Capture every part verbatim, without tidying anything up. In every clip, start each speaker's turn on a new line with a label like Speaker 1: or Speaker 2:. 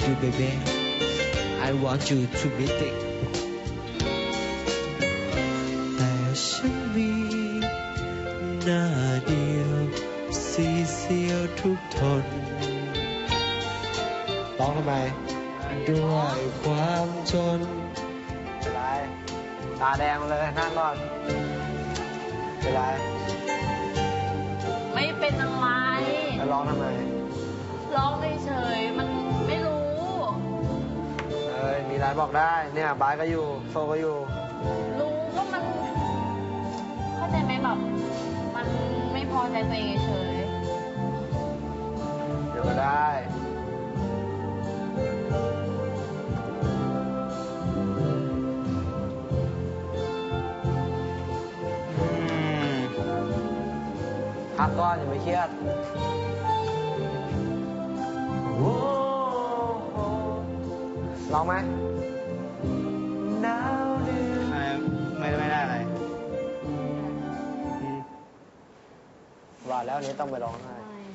Speaker 1: you baby I want you to meet it แต่ฉันมีหน้าเดียวสีเสียวทุกทนร้องทำไมด้วยความจนเป็นไรตาแดงเลยนั่งก่อนเป็นไร
Speaker 2: ไม่เป็นอะไร
Speaker 1: แล้วร้องทำไม
Speaker 2: ร้องเฉยๆมันไม่รู้
Speaker 1: เอ้ยมีอะไรบอกได้เนี่ยบายก็อยู่โซก็อยู่
Speaker 2: รู้ว่ามันเข้าใจไหมแบบมันไม่พอใจตัวเองเฉย
Speaker 1: เดี๋ยวก็ได้พักก่อนอย่าไปเครียดร้องไหมหนาวเดือดไม่ไม่ได้อะไรว่าแล้วนี้ต้องไปร้องไห้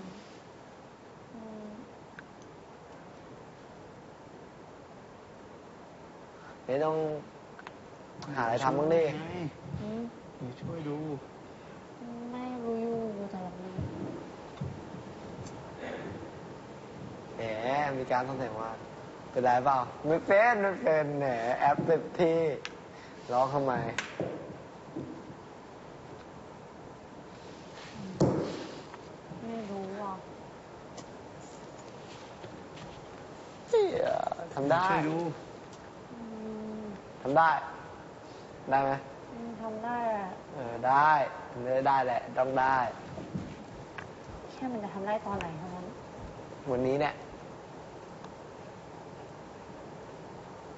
Speaker 1: นี่ต้องหาอะไรทำบ้างดิช่วยดู
Speaker 2: ไม่รู้อยู่อยู่แต่ละนี้
Speaker 1: แหมมีการต้องแต่งว่าเป็นไรเปล่าไม่เป็นไม่เป็นแหมแอปเต็มที่ร้องทำไม
Speaker 2: ไม่รู้อ่ะ
Speaker 1: ทำได้ทำได้ได้ไหม
Speaker 2: ทำได้แหละ
Speaker 1: เออได้เนื้อได้แหละต้องได้
Speaker 2: แค่มันจะทำได้ตอนไหนเท่านั้น
Speaker 1: วันนี้เนี่ย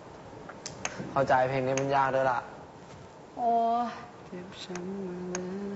Speaker 1: เข้าใจเพลงนี้มันยากด้วยล่ะ
Speaker 2: โอ้
Speaker 1: เจ็บช้ำมาเลย